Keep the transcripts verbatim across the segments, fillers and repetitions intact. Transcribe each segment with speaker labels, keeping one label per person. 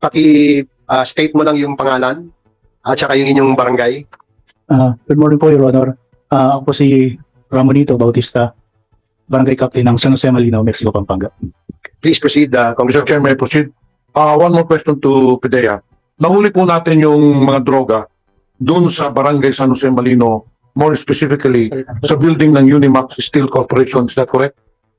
Speaker 1: paki-state mo lang yung pangalan at saka yung inyong barangay.
Speaker 2: Ah, good morning po, Your Honor. Ah, ako po si Ramonito Bautista, Barangay Captain ng San Jose Malinaw, Mexico, Pampanga.
Speaker 1: Please proceed, uh,
Speaker 3: Mister
Speaker 1: Congressman.
Speaker 3: Chair, may I proceed? Uh, one more question to Pidea. Nahuli po natin yung mga droga doon sa Barangay San Jose Malino, more specifically sa building ng Unimax Steel Corporation. Is that correct?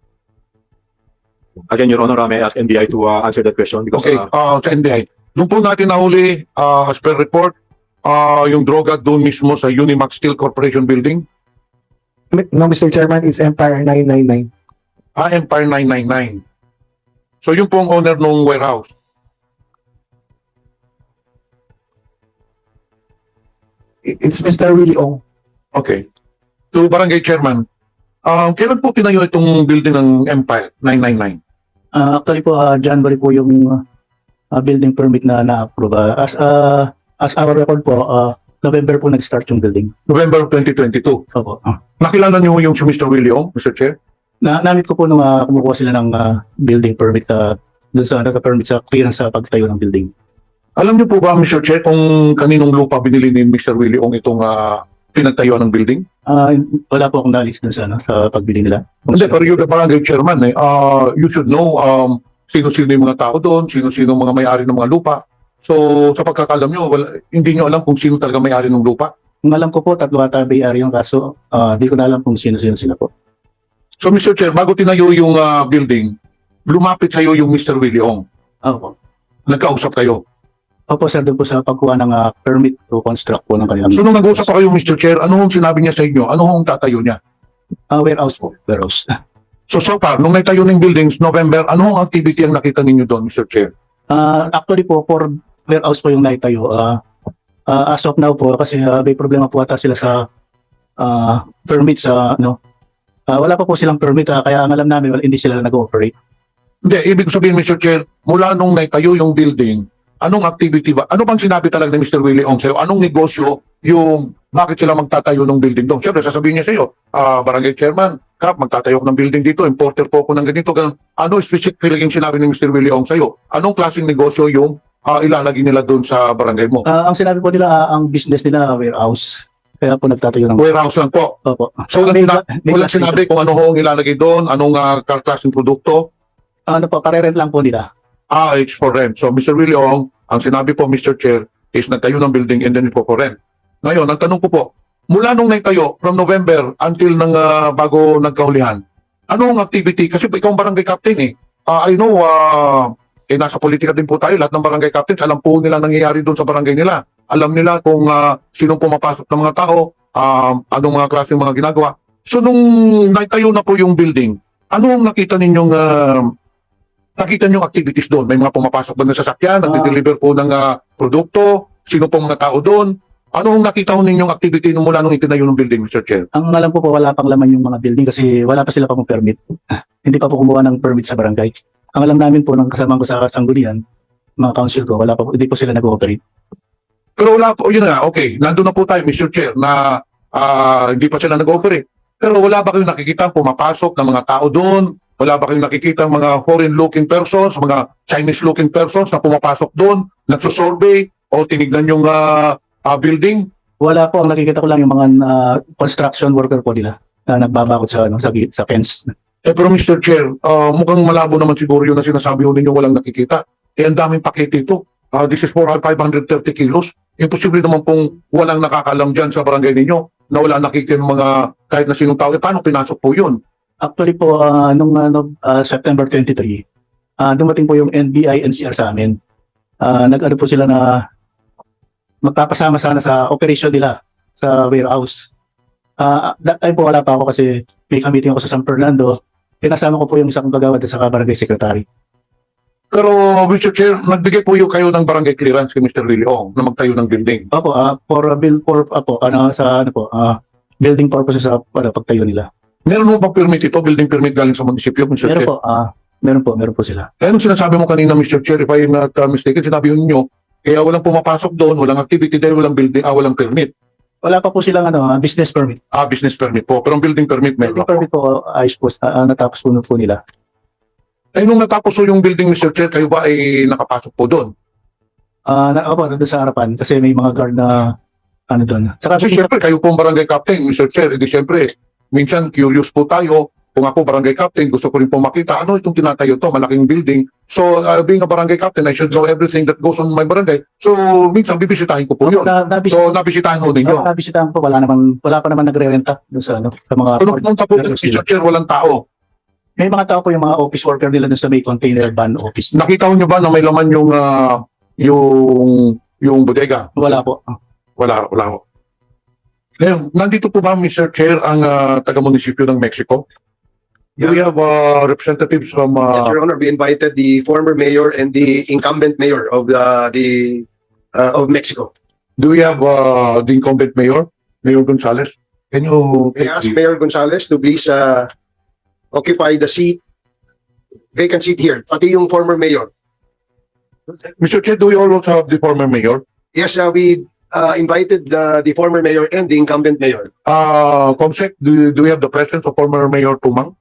Speaker 4: Again, Your Honor, uh, may I ask N B I to uh, answer that question because
Speaker 3: Okay,
Speaker 4: uh,
Speaker 3: uh, sa N B I. Doon po natin nahuli, uh, as per report, uh, yung droga doon mismo sa Unimax Steel Corporation building,
Speaker 5: No, Mister Chairman, it's Empire nine nine nine.
Speaker 3: ah, Empire nine nine nine. So yung pong owner ng warehouse.
Speaker 5: It- It's Mister Willie Ong.
Speaker 3: Okay. To Barangay Chairman, uh, kailan po tinayo itong building ng Empire nine nine nine?
Speaker 2: Ah, actually po, ah, January po yung ah, building permit na na-approve. Ah, as, ah, as our record po, ah, November po nag-start yung building.
Speaker 3: November twenty twenty-two.
Speaker 2: Opo. Ah.
Speaker 3: Nakilala niyo yung si Mister Willie Ong, Mister Chair?
Speaker 2: Na, namit ko po nung ah, kumukuha sila ng ah, building permit sa doon sa naka-permit sa clearance sa pagtayo ng building.
Speaker 3: Alam niyo po ba, Mister Chair, kung kaninong lupa binili ni Mister Willie Ong itong uh, pinagtayuan ng building?
Speaker 2: Ah, wala po akong nalis dun sa, ano, sa pagbili nila. Kung
Speaker 3: Hindi,
Speaker 2: sino-
Speaker 3: pero you're the barangay chairman. Eh. Uh, you should know um, sino-sino yung mga tao doon, sino-sino mga may-ari ng mga lupa. So, sa pagkakalam nyo, wala, hindi nyo alam kung sino talaga may-ari ng lupa.
Speaker 2: Kung alam ko po, tatlo ata may-ari yung kaso, ah, di ko na alam kung sino-sino sila po.
Speaker 3: So, Mister Chair, bago tinayo yung uh, building, lumapit sa'yo yung Mister Willie Ong.
Speaker 2: Opo.
Speaker 3: Nagkausap kayo.
Speaker 2: Opo, sir, doon po sa pagkuha ng ah, permit to construct po ng kanilang
Speaker 3: So, nung nag-usap pa kayo, Mister Chair, ano hong sinabi niya sa inyo? Ano hong tatayo niya?
Speaker 2: ah, warehouse po. Warehouse.
Speaker 3: So, so far, nung naitayo ng buildings, November, ano hong activity ang nakita ninyo doon, Mister Chair?
Speaker 2: Ah, actually po, for warehouse po yung naitayo. Ah, ah, as of now po, kasi ah, may problema po ata sila sa ah, permit sa, ano, ah, wala pa po silang permit, ah, kaya ang alam namin, wala, hindi sila nag-ooperate.
Speaker 3: Hindi, ibig sabihin, Mister Chair, mula nung naitayo yung building, anong activity ba? Ano bang sinabi talaga ni Mister Willie Ong sa'yo? Anong negosyo yung bakit sila magtatayo ng building doon? Siyempre, sasabihin niya sa'yo, ah, barangay chairman, Kap, magtatayo ko ng building dito, importer po ako ng ganito, ganun. Ano specifically yung sinabi ni Mister Willie Ong sa'yo? Anong klaseng negosyo yung ah, ilalagay nila doon sa barangay mo?
Speaker 2: Ah, ang sinabi po nila, ah, ang business nila, warehouse. Kaya po nagtatayo ng
Speaker 3: Warehouse lang po.
Speaker 2: Opo.
Speaker 3: So, walang,
Speaker 2: May-
Speaker 3: sina-
Speaker 2: may
Speaker 3: walang
Speaker 2: class
Speaker 3: sinabi kung ano ho ang ilalagay doon, anong uh, klaseng produkto.
Speaker 2: Ano po, karerent lang po nila.
Speaker 3: Ah, it's for rent. So, Mister Willie Ong, ang sinabi po, Mister Chair, is nagtayo ng building and then it's for rent. Ngayon, ang tanong ko po, mula nung naitayo, from November until nang ah, bago nagkahulihan, anong activity? Kasi ikaw ang barangay captain eh. Ah, I know, ah, eh, nasa politika din po tayo, lahat ng barangay captains, alam po nila nangyayari doon sa barangay nila. Alam nila kung uh, sinong pumapasok ng mga tao, um, anong mga klaseng mga ginagawa. So, nung naitayo na po yung building, ano ang nakita ninyong ah, nakita niyo activities doon? May mga pumapasok ba ng sasakyan,
Speaker 2: Ah.
Speaker 3: nagde-deliver po ng ah, produkto, sino po mga tao doon? Ano ang nakita ho ninyong activity nung mula nung itinayo ng building, Mister Chair?
Speaker 2: Ang alam ko po, wala pang laman yung mga building kasi wala pa sila pang permit. Ah, hindi pa po kumuha ng permit sa barangay. Ang alam namin po, ng kasama ko sa Sanggunian, mga council ko, wala pa po, hindi po sila nag-ooperate.
Speaker 3: Pero wala po, yun nga, okay, nandun na po tayo, Mister Chair, na ah, hindi pa sila nag-operate. Pero wala ba kayong nakikita pumapasok ng mga tao doon? Wala ba kayong nakikita mga foreign-looking persons, mga Chinese-looking persons na pumapasok doon, nagsusurvey o tinignan yung ah, ah, building?
Speaker 2: Wala po, ang nakikita ko lang yung mga ah, construction worker po nila na nagbabakot sa, ano, sa, sa fence.
Speaker 3: Eh pero Mister Chair, ah, mukhang malabo naman siguro yun na sinasabi ho ninyo walang nakikita. Eh ang daming pakete ito. Ah, this is for five hundred thirty kilos. Imposible naman pong walang nakakalam dyan sa barangay ninyo na wala nakikita ng mga kahit na sinong tao. Eh paano pinasok po yun?
Speaker 2: Actually po, ah, nung ano, ah, September twenty-three, ah, dumating po yung N B I N C R sa amin. Ah, nag-ano po sila na magpapasama sana sa operation nila sa warehouse. Ah, that time po wala pa ako kasi may meeting ako sa San Fernando. Pinasama ko po yung isang kagawad at saka barangay secretary.
Speaker 3: Pero Mister Chair, nagbigay po yung kayo ng barangay clearance kay Mister Willie Ong na magtayo ng building.
Speaker 2: Opo, ah, for a bill for apo ano sa ano po, ah, building purposes sa para pagtayo nila.
Speaker 3: Meron mo bang permit ito, building permit galing sa munisipyo, Mister
Speaker 2: Meron
Speaker 3: Chair?
Speaker 2: po, ah, meron po, meron po sila.
Speaker 3: Eh, anong sinasabi mo kanina, Mister Chair, if I'm not uh, mistaken, sinabi ninyo, kaya walang pumapasok doon, walang activity dahil walang building, ah, walang permit.
Speaker 2: Wala pa po silang ano, ah, business permit.
Speaker 3: Ah, business permit po. Pero ang building permit meron.
Speaker 2: Building permit po, ayos po, ah, natapos po, po nila.
Speaker 3: Eh, nung natapos po yung building, Mister Chair, kayo ba ay nakapasok po doon?
Speaker 2: Ah, na, opo, nandun sa harapan kasi may mga guard na ano doon. Saka
Speaker 3: Kasi siyempre, kayo pong barangay captain, mister Chair, edi siyempre, minsan curious po tayo. Kung ako barangay captain, gusto ko rin po makita, ano itong tinatayo to, malaking building. So, uh, being a barangay captain, I should know everything that goes on my barangay. So, minsan bibisitahin ko po yun.
Speaker 2: na, nabis,
Speaker 3: So, nabisitahin ko ninyo.
Speaker 2: oh, nabisitahan po, wala naman, wala pa naman nagre-renta doon sa ano, sa mga
Speaker 3: Kung pumunta po, mister Chair, walang tao.
Speaker 2: may mga tao po yung mga office worker nila doon sa may container van office.
Speaker 3: Nakita niyo ba na may laman yung, ah, yung, yung bodega?
Speaker 2: Wala po.
Speaker 3: Wala, wala ko. Ngayon, nandito po ba, mister Chair, ang ah, taga-munisipyo ng Mexico? Do we have uh, representatives from...
Speaker 1: Yes,
Speaker 3: Uh,
Speaker 1: Your Honor, we invited the former mayor and the incumbent mayor of the, the uh, of Mexico.
Speaker 3: do we have uh, the incumbent mayor, Mayor Gonzales? Can you...
Speaker 1: May I ask Mayor Gonzales to please uh, occupy the seat, vacant seat here, pati yung former mayor.
Speaker 3: mister Chair, do we also have the former mayor?
Speaker 1: Yes, uh, we uh, invited the, the former mayor and the incumbent mayor.
Speaker 3: Uh, Comsec, do, do we have the presence of former Mayor Tumang?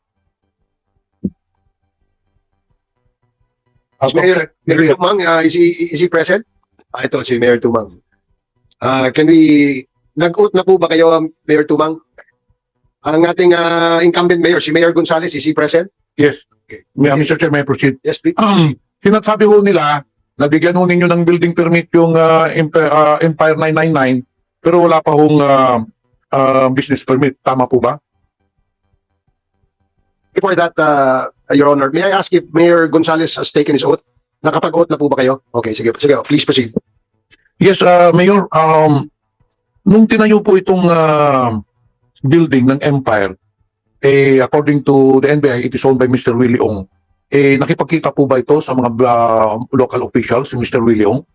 Speaker 3: Uh,
Speaker 1: Mayor,
Speaker 3: Comsec, do we
Speaker 1: Mayor
Speaker 3: have-
Speaker 1: Tumang, uh, is he, is he present? Ah, ito si Mayor Tumang. Uh, can we, nag-oath na po ba kayo, um, Mayor Tumang? Ang ating uh, incumbent mayor, si Mayor Gonzales, is he present?
Speaker 3: Yes.
Speaker 1: Okay.
Speaker 3: May, mister Chair, may I proceed?
Speaker 1: Yes, please.
Speaker 3: Um, sinasabi ho nila, nabigyan ho ninyo ng building permit yung uh, Empire, uh, Empire nine nine nine, pero wala pa hong uh, uh, business permit. Tama po ba?
Speaker 1: Before that, uh, Your Honor, may I ask if Mayor Gonzales has taken his oath? Nakapag-oath na po ba kayo? Okay, sige, sige, please proceed.
Speaker 3: Yes, uh, Mayor, um, nung tinayo po itong uh, building ng Empire, eh, according to the N B I, it is owned by mister Willie Ong. Eh, nakipagkita po ba ito sa mga uh, local officials, si mister Willie Ong?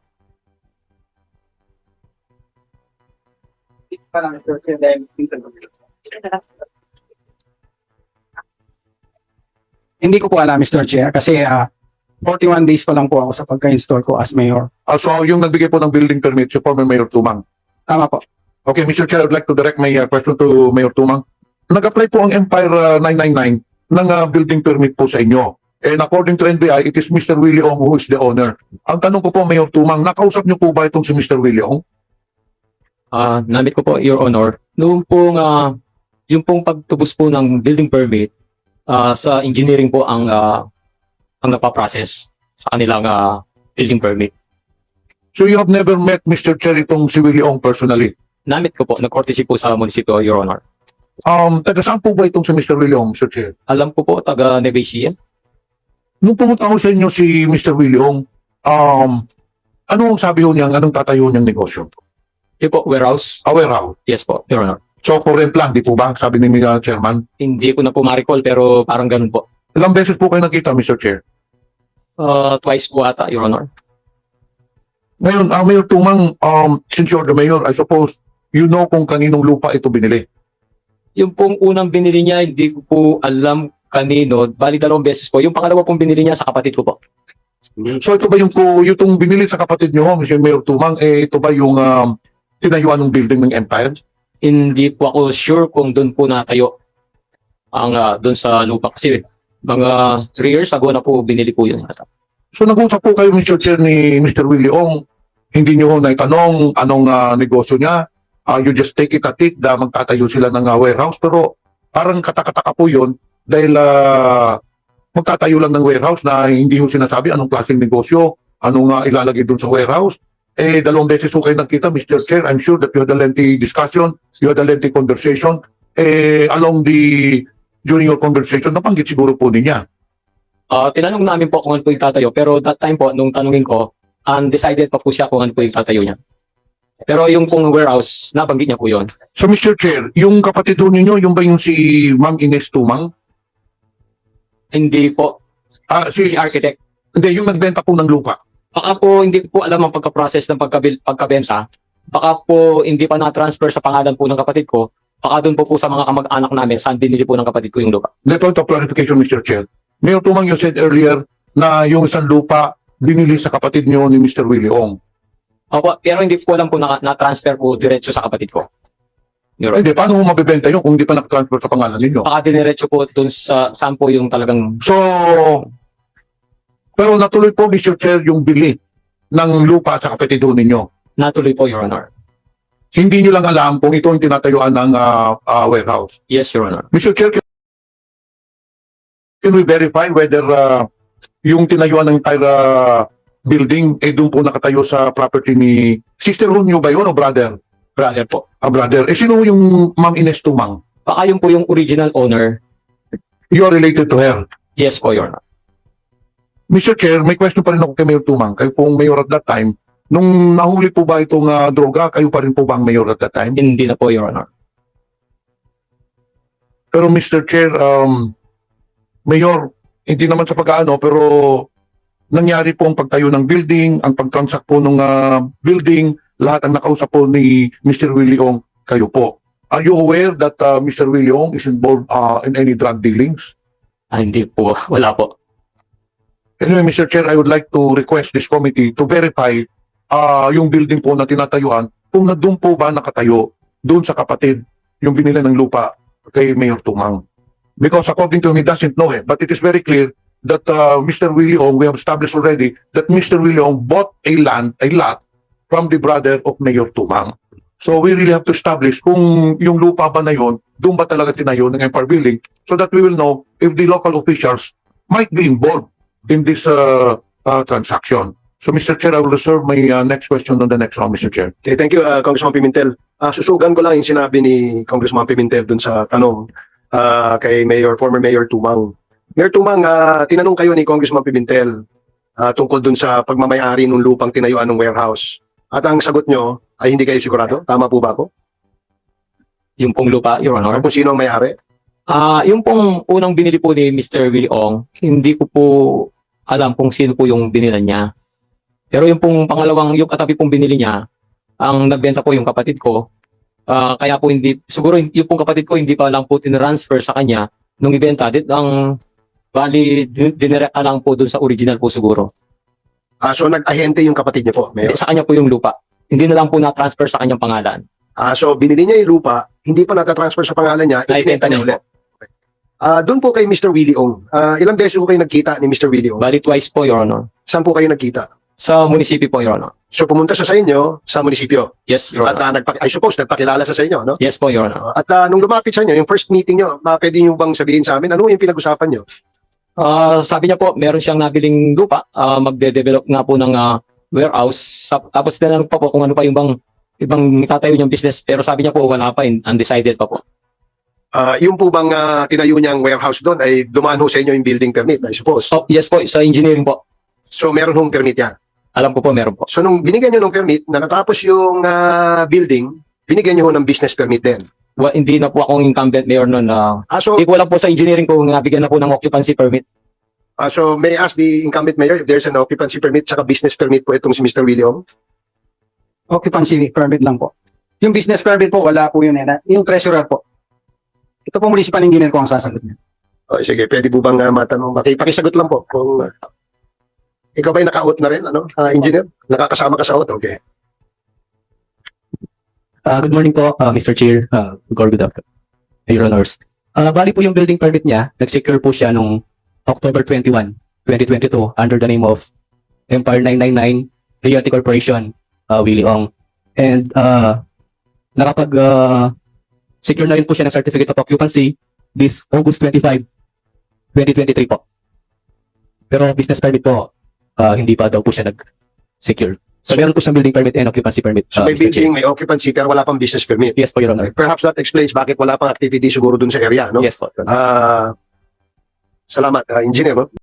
Speaker 6: Hindi ko po alam, mister Chair, kasi ah, forty-one days pa lang po ako sa pagka-install ko as mayor.
Speaker 3: Uh, so, yung nagbigay po ng building permit, si former Mayor Tumang.
Speaker 6: Tama po.
Speaker 3: Okay, mister Chair, I'd like to direct my uh, question to Mayor Tumang. Nag-apply po ang Empire uh, nine nine nine ng uh, building permit po sa inyo. And according to N B I, it is mister Willie Ong who is the owner. Ang tanong ko po, Mayor Tumang, nakausap niyo po ba itong si mister Willie Ong?
Speaker 7: Ah, namit ko po, Your Honor. Noong pong, ah, yung pong pagtubos po ng building permit, ah, sa engineering po ang, ah, ang napaprocess sa kanilang ah, building permit.
Speaker 3: So you have never met mister Chair itong si Willie Ong personally?
Speaker 7: Namit ko po, nag-courtesy po sa munisipyo, Your Honor.
Speaker 3: Um, taga saan po ba itong si mister Willie Ong, mister Chair?
Speaker 7: Alam ko po, taga Nevesia.
Speaker 3: Nung pumunta ko sa inyo si mister Willie Ong, um, ano ang sabi ho niya, anong tatayo niyang negosyo?
Speaker 7: Yung po, warehouse.
Speaker 3: Aware how?
Speaker 7: Yes po, Your Honor.
Speaker 3: So for rent lang, di po ba? Sabi ni uh, Chairman.
Speaker 7: Hindi ko na po ma-recall, pero parang ganun po.
Speaker 3: Ilang beses po kayo nakita, mister Chair?
Speaker 7: Ah, twice po ata, Your Honor.
Speaker 3: Ngayon, ang Mayor Tumang, um, since you're the mayor, I suppose, you know kung kaninong lupa ito binili.
Speaker 7: Yung pong unang binili niya, hindi ko po alam kanino. Bali, dalawang beses po. Yung pangalawa pong binili niya sa kapatid ko po.
Speaker 3: So ito ba yung, po- yung itong binili sa kapatid niyo, mister Mayor Tumang, eh ito ba yung um, tinayuan ng building ng Empire?
Speaker 7: Hindi po ako sure kung doon po natayo ang ah, doon sa lupa. Kasi mga three years ago na po binili po yun.
Speaker 3: So nag-usap po kayo, mister Chair, ni mister Willie Ong, hindi niyo ho naitanong anong ah, negosyo niya. Ah, you just take it at it na magtatayo sila ng ah, warehouse. Pero parang katakataka po yun dahil ah, magtatayo lang ng warehouse na hindi ho sinasabi anong klaseng negosyo, anong ah, ilalagay doon sa warehouse. Eh, dalawang beses ho kayo nagkita, mister Chair. I'm sure that you had a lengthy discussion, you had a lengthy conversation. Eh, along the, during your conversation, napanggit siguro po niya.
Speaker 7: Ah, tinanong namin po kung ano po yung tatayo. Pero that time po, nung tanungin ko, undecided pa po siya kung ano po yung tatayo niya. Pero yung pong warehouse, nabanggit niya po yun.
Speaker 3: So, mister Chair, yung kapatid ho ninyo, yung ba yung si Ma'am Ines Tumang?
Speaker 7: Hindi po.
Speaker 3: Ah, si,
Speaker 7: Si architect.
Speaker 3: hindi, yung nagbenta po ng lupa.
Speaker 7: Baka po hindi ko po alam ang pagka-process ng pagkabil, pagkabenta. Baka po hindi pa na-transfer sa pangalan po ng kapatid ko. Baka doon po po sa mga kamag-anak namin saan binili po ng kapatid ko yung lupa.
Speaker 3: The point of clarification, mister Chair. Mayor Tumang, you said earlier na yung isang lupa binili sa kapatid niyo ni mister Willie Ong.
Speaker 7: Opo, pero hindi ko alam kung na- na-transfer po diretso sa kapatid ko. Your Honor.
Speaker 3: Hindi, paano mo mabibenta yun kung hindi pa nakatransfer sa pangalan ninyo?
Speaker 7: Baka diniretso po doon sa saan po yung talagang
Speaker 3: So, pero natuloy po, mister Chair, yung bili ng lupa sa kapatid ho ninyo.
Speaker 7: Natuloy po, Your Honor.
Speaker 3: Hindi nyo lang alam kung ito ang tinatayuan ng ah, ah, warehouse.
Speaker 7: Yes, Your Honor.
Speaker 3: Mister Chair, can can we verify whether ah, yung tinayuan ng entire ah, building ay doon po nakatayo sa property ni sister ho nyo ba yun o brother?
Speaker 7: Brother po.
Speaker 3: Ah, brother. Eh, sino yung Ma'am Ines Tumang?
Speaker 7: Baka yun po yung original owner.
Speaker 3: You are related to her.
Speaker 7: Yes po, Your Honor.
Speaker 3: Mister Chair, may question pa rin ako kay Mayor Tumang. Kayo pong mayor at that time. Nung nahuli po ba itong ah, droga, kayo pa rin po ba ang mayor at that time?
Speaker 7: Hindi na po, Your Honor.
Speaker 3: Pero Mister Chair, um, Mayor, hindi naman sa pag-ano, pero nangyari po ang pagtayo ng building, ang pagtransact po ng ah, building, lahat ang nakausap po ni Mister Willie Ong, kayo po. Are you aware that uh, Mister Willie Ong is involved uh, in any drug dealings?
Speaker 7: Ah, hindi po. Wala po.
Speaker 3: Anyway, Mister Chair, I would like to request this committee to verify uh, yung building po na tinatayuan kung na doon po ba nakatayo doon sa kapatid yung binili ng lupa kay Mayor Tumang. Because according to him, he doesn't know it. But it is very clear that uh, Mister Willie Ong, we have established already that Mister Willie Ong bought a land, a lot from the brother of Mayor Tumang. So we really have to establish kung yung lupa ba na yun, doon ba talaga tinayo ng Empire Building so that we will know if the local officials might be involved in this uh, uh, transaction. So Mister Chair, I will reserve my uh, next question on the next round, Mister Chair.
Speaker 1: Okay, thank you, uh, Congressman Pimentel. Ah, susugan ko lang yung sinabi ni Congressman Pimentel dun sa tanong ah, kay Mayor, former Mayor Tumang. Mayor Tumang, ah, tinanong kayo ni Congressman Pimentel ah, tungkol dun sa pagmamayari ng lupang tinayuan ng warehouse. At ang sagot nyo ay hindi kayo sigurado? Tama po ba ako?
Speaker 7: Yung pong lupa, Your Honor.
Speaker 1: Kung sino ang may-ari?
Speaker 7: Ah, yung pong unang binili po ni Mister Willie Ong, hindi ko po alam kung sino po yung binila niya. Pero yung pong pangalawang, yung katabi pong binili niya, ang nagbenta po yung kapatid ko. Ah, kaya po hindi, siguro yung pong kapatid ko hindi pa lang po tinransfer sa kanya nung ibenta. Dit ang bali, din- dinirekta lang po dun sa original po siguro.
Speaker 1: Ah, so nag-ahente yung kapatid niyo po, Mayor?
Speaker 7: Sa kanya po yung lupa. Hindi na lang po na-transfer sa kanyang pangalan.
Speaker 1: Ah, so binili niya yung lupa, hindi pa natatransfer sa pangalan niya,
Speaker 7: Naibenta
Speaker 1: ibenta niya
Speaker 7: niya
Speaker 1: ulit. Okay. Ah, doon po kay Mister Willie Ong. Ah, ilang beses po kayo nagkita ni Mister Willie Ong?
Speaker 7: Bali twice po, Your Honor.
Speaker 1: Saan po kayo nagkita?
Speaker 7: Sa munisipyo po, Your Honor.
Speaker 1: So pumunta siya sa inyo sa munisipyo.
Speaker 7: Yes, Your
Speaker 1: At
Speaker 7: Honor.
Speaker 1: ah, nagpa- I suppose nagpakilala siya sa inyo, no?
Speaker 7: Yes po, Your Honor.
Speaker 1: At ah, nung lumapit sa inyo, yung first meeting nyo, uh, pwede nyo bang sabihin sa amin, ano yung pinag-usapan nyo?
Speaker 7: Ah, sabi niya po, meron siyang nabiling lupa, ah, magde-develop nga po ng ah, warehouse. Sa- tapos tinanong pa po kung ano pa yung bang ibang tatayo niyang business, pero sabi niya po wala pa, in- undecided pa po.
Speaker 1: Ah, yung po bang ah, tinayo niyang warehouse doon ay dumaan ho sa inyo yung building permit, I suppose.
Speaker 7: Oh, yes po, sa engineering po.
Speaker 1: So meron hong permit yan.
Speaker 7: Alam ko po, meron po.
Speaker 1: So nung binigyan nyo ng permit, na natapos yung ah, building, binigyan nyo ho ng business permit din.
Speaker 7: Wa- hindi na po akong incumbent mayor noon. na
Speaker 1: Ah, so,
Speaker 7: hindi ko alam po sa engineering ko nabigyan na po ng occupancy permit.
Speaker 1: ah, so may I ask the incumbent mayor if there's an occupancy permit tsaka business permit po itong si Mister Willie Ong?
Speaker 6: Occupancy permit lang po. Yung business permit po, wala po yun. Eh. Yung treasurer po. Ito po municipal engineer ko ang sasagot niya.
Speaker 1: Oh, sige, pwede po bang uh, matanong? Paki, pakisagot lang po. Kung, ah, ikaw ba'y naka-out na rin, ano, ah, engineer? Nakakasama ka sa out? Okay.
Speaker 8: Ah, good morning po, ah, Mister Chair, uh, good afternoon, Your Honors. Ah, bali po yung building permit niya, nag-secure po siya nung October twenty-first, twenty twenty-two under the name of Empire nine nine nine Realty Corporation, uh, Willie Ong. And uh, nakapag ah, secure na rin po siya ng Certificate of Occupancy this August twenty-fifth, twenty twenty-three po. Pero business permit po, ah, hindi pa daw po siya nag-secure. So meron po siyang building permit and occupancy permit.
Speaker 1: So
Speaker 8: ah,
Speaker 1: may
Speaker 8: Mister Chair.
Speaker 1: building, may occupancy, pero wala pang business permit.
Speaker 8: Yes po, Your Honor.
Speaker 1: Perhaps that explains bakit wala pang activity siguro dun sa area, no?
Speaker 8: Yes po. Your Honor.
Speaker 1: Ah, salamat, ah, engineer. No?